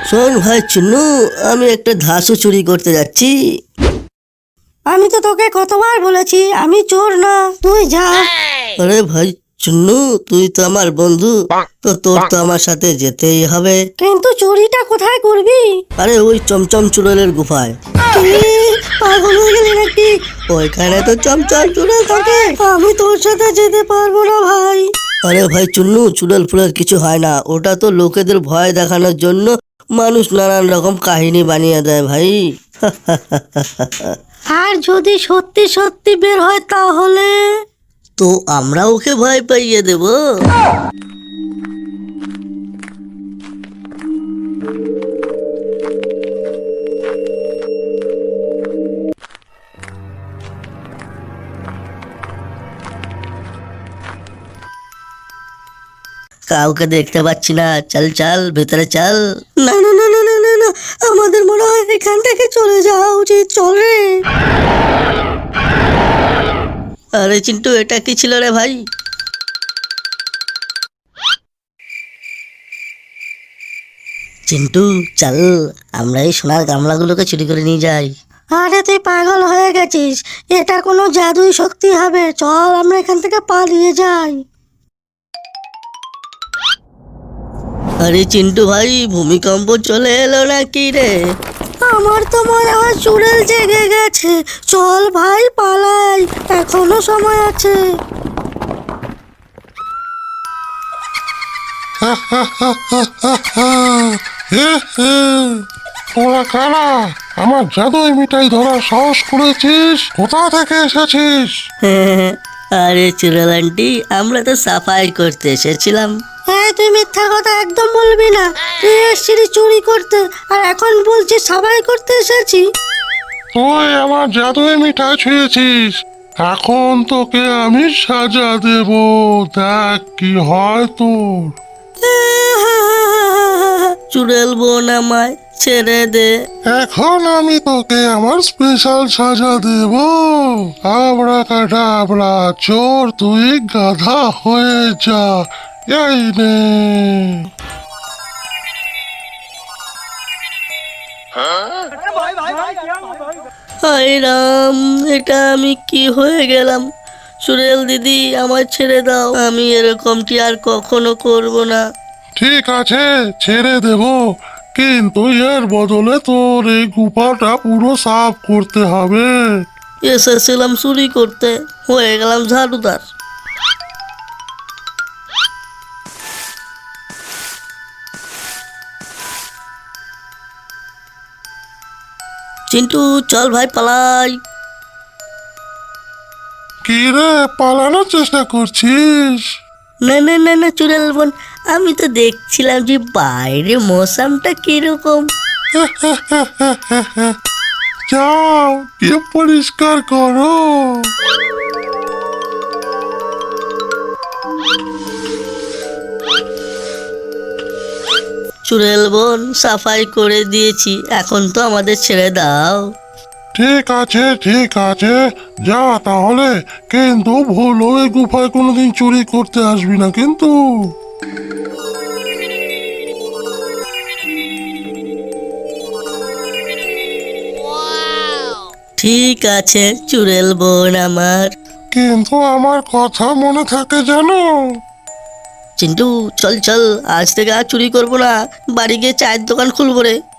শোন ভাই চুন্নু, আমি একটা ধাসু চুরি করতে যাচ্ছি। আমি তো তোকে কতবার বলেছি আমি চোর না, তুই যা। আরে ভাই চুন্নু, তুই তো আমার বন্ধু, তো তোর তো আমার সাথে যেতেই হবে। কিন্তু চুরিটা কোথায় করবি? আরে ওই চমচম চুড়েলের গুফায়। কি পাগল হয়ে গেলি নাকি? ওইখানে তো চমচম চুড়েল থাকে। আমি তোর সাথে যেতে পারবো না ভাই। আরে ভাই চুন্নু, চুড়েল ফুলের কিছু হয় না, ওটা তো লোকেদের ভয় দেখানোর জন্য মানুষ নানান রকম কাহিনী বানিয়ে দেয় ভাই। আর যদি সত্যি সত্যি বের হয় তাহলে? তো আমরা ওকে ভয় পাইয়ে দেব। কাউকে দেখতে পাচ্ছি না, চল চল ভেতরে চল। না না না না না না না, আমাদের মনে হয় এখান থেকে চলে যাওয়া উচিত। চল রে। আরে চিন্টু, এটা কি ছিল রে ভাই? চিন্টু চল, আমরা এই সোনার গামলাগুলোকে চুরি করে নিয়ে যাই। আরে তুই পাগল হয়ে গেছিস, এটা কোনো জাদুই শক্তি হবে? চল আমরা এখান থেকে পালিয়ে যাই। আরে চিন্টু ভাই, ভূমিকম্প চলে এলো নাকি রে? আমার তো মনে হয় চুড়েল জেগে গেছে। চল ভাই পালাই, এখনো সময় আছে। তোরা কারা? আমার জাদুই মিঠাই ধরার সাহস করেছিস? কোথা থেকে এসেছিস? আরে চুড়েল আন্টি, আমরা তো সাফাই করতে এসেছিলাম। হ্যাঁ, তুই মিথ্যা কথা একদম বলবি না। তুই এসেছিলি চুরি করতে, আর এখন বলছিস সাবাই করতে এসেছি। তুই আমার জাদুই মিঠাই ছুঁয়েছিস, এখন তোকে আমি সাজা দেব। দেখ কি হয় তোর। চুড়েল বোন, আমায় ছেড়ে দে। এখন আমি তোকে আমার স্পেশাল সাজা দেব। আবরাকাডাবরা, চোর তুই গাধা হয়ে যা। এই নে। হায় রাম, এটা আমি কি হয়ে গেলাম? চুড়েল দিদি, আমায় ছেড়ে দাও, আমি এরকমটি আর কখনো করব না। ঠিক আছে, ছেড়ে দেব, কিন্তু এর বদলে তোর এই গুফাটা পুরো সাফ করতে হবে। এসেছিলাম চুরি করতে, হয়ে গেলাম ঝাড়ুদার। চিন্টু চল ভাই পালাই। কি রে, পালানোর চেষ্টা করছিস? না না না না চুড়েল বোন, আমি তো দেখছিলাম যে বাইরে মৌসামটা কিরকম। যাও গিয়ে পরিষ্কার করো। চুড়েল বোন, সাফাই করে দিয়েছি, এখন তো আমাদের ছেড়ে দাও। ঠিক আছে ঠিক আছে, যা তাহলে, কিন্তু ভুল ওই গুফায় কোনোদিন চুরি করতে আসবি না কিন্তু। ঠিক আছে চুড়েল বোন আমার। কিন্তু আমার কথা মনে থাকে জানো? চিন্টু চল চল, আজ থেকে আর চুরি করবো না, বাড়ি গিয়ে চায়ের দোকান খুলবো রে।